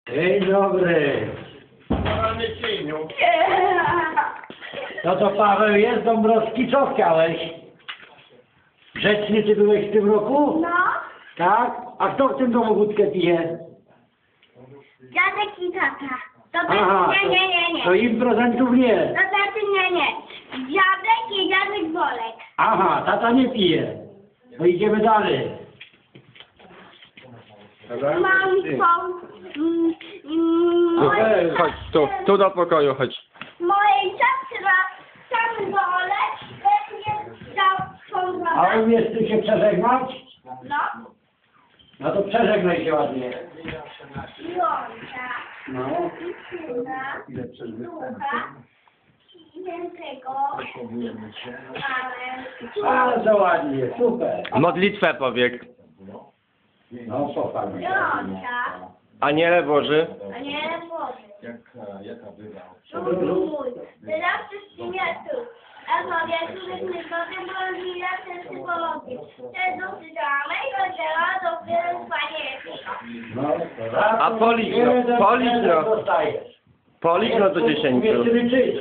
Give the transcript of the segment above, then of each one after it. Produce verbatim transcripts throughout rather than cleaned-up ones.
Dzień dobry. No to Paweł jest, Dąbrowski, co chciałeś? Grzeczny ty byłeś w tym roku? No, Tak? A kto w tym domu wódkę pije? dziadek i tata. To Aha, znaczy nie, nie, nie, to, nie. to im prezentów nie. To znaczy nie, nie. Dziadek i dziadek Bolek. Aha, tata nie pije. To idziemy dalej. Mam są... Mm, mm, Tu, mojej chodź, tu, tu do pokoju, chodź. Mojej siostra sam Bolek będzie chciał A pomagać. umiesz ty się przeżegnać? No, No to przeżegnaj się ładnie. Jąca. No. I syna. Ducha. Świętego. Ale... Bardzo ładnie, super. Modlitwę powiek. No pochwal mnie. Jąca. Aniele Boży, A nie Boże. Jaka, jaka bywa? Mój, teraz wszystkim tu. A sobie których zgodem rozwija ten psychologii. Te dosyćamy i rozdziela dopiero spanieckiego. No, raz, A policz no, jeden, policz jeden no. dostajesz. policz no do dziesięciu. Umiesz ty liczyć.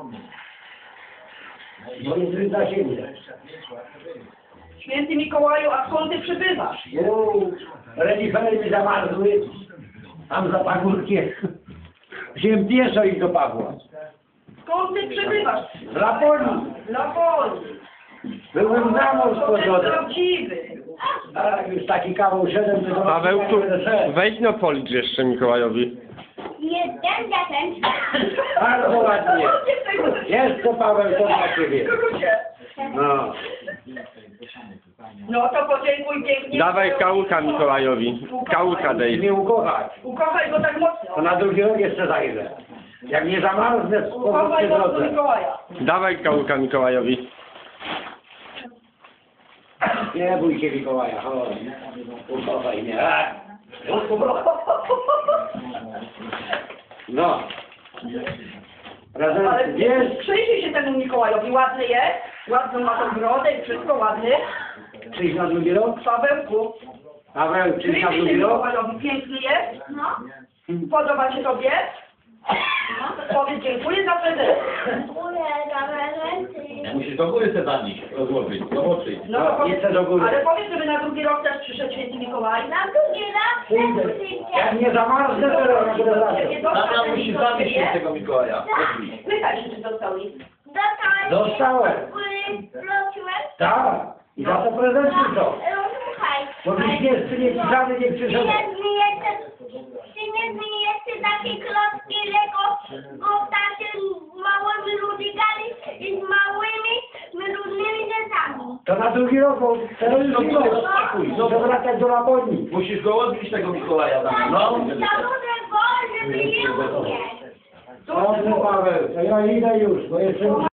Bo jest ryta ziemia. Święty Mikołaju, a skąd ty przybywasz? Uuu, renifery mi zamarzły. Tam za pagórkiem. Wziąłem pieszo i do Pawła. Skąd ty przybywasz? Z Laponii. Z Laponii. Byłem za mąż To ten pogodę. prawdziwy. A już taki kawał szedłem, to Paweł, tu, będę szedł. wejdź no policz jeszcze Mikołajowi. Jeden, jeden, Bardzo ładnie. Jeszcze Paweł, to dla ciebie. Skrócie. No. No to podziękuj pięknie. Dawaj kałuka Mikołajowi. Kałuka I dej. mnie ukochać. Ukochaj go tak To mocno. na drugi rok jeszcze zajrzę. Jak nie zamarznę, to Ukochaj po go do drodze. Mikołaja. Dawaj kałuka Mikołajowi. Nie bój się Mikołaja, chodź. Ukochaj mnie. A. No. Ale Prezent jest. przyjrzyj się temu Mikołajowi. Ładny jest. Ładną ma tą brodę i wszystko ładny. Przyjdź na drugi rok. Pawełku. Paweł, przyjdź Przyjrzyj na się drugi rok. Mikołajowi. Piękny jest. no. Podoba się tobie? No. Powiedz dziękuję za prezent. Dziękuję za prezenty. Musisz do góry se zanieść, rozłożyć, zobaczyć. No to No, powiedz, jeszcze do góry. ale powiedz, żeby na drugi rok też przyszedł święty Mikołaj. Na drugi raz Przyjdę. też przyjdzie. Jak nie zamarznę, to robię prezent. Tata musi zanieść świętego Mikołaja. Pytaj się, czy dostał list. Dostałeś. Dostałem. Wróciłeś. Tak. I za to prezenty są. Słuchaj. Bo byś nie, ty nie pisany, nie Czy przyszedł. nie zmieniecie, czy nie zmieniecie takie klocki Lego, bo takie małymi ludzikami i z małymi, różnymi rzeczami. To na drugi rok, bo teraz już nie ma. Rozpakuj, Muszę wracać do Laponii. Musisz go odbić tego Mikołaja tam. No. Za duże go, żeby je umieć. Dobrze, Paweł, to ja idę już, bo jeszcze muszę...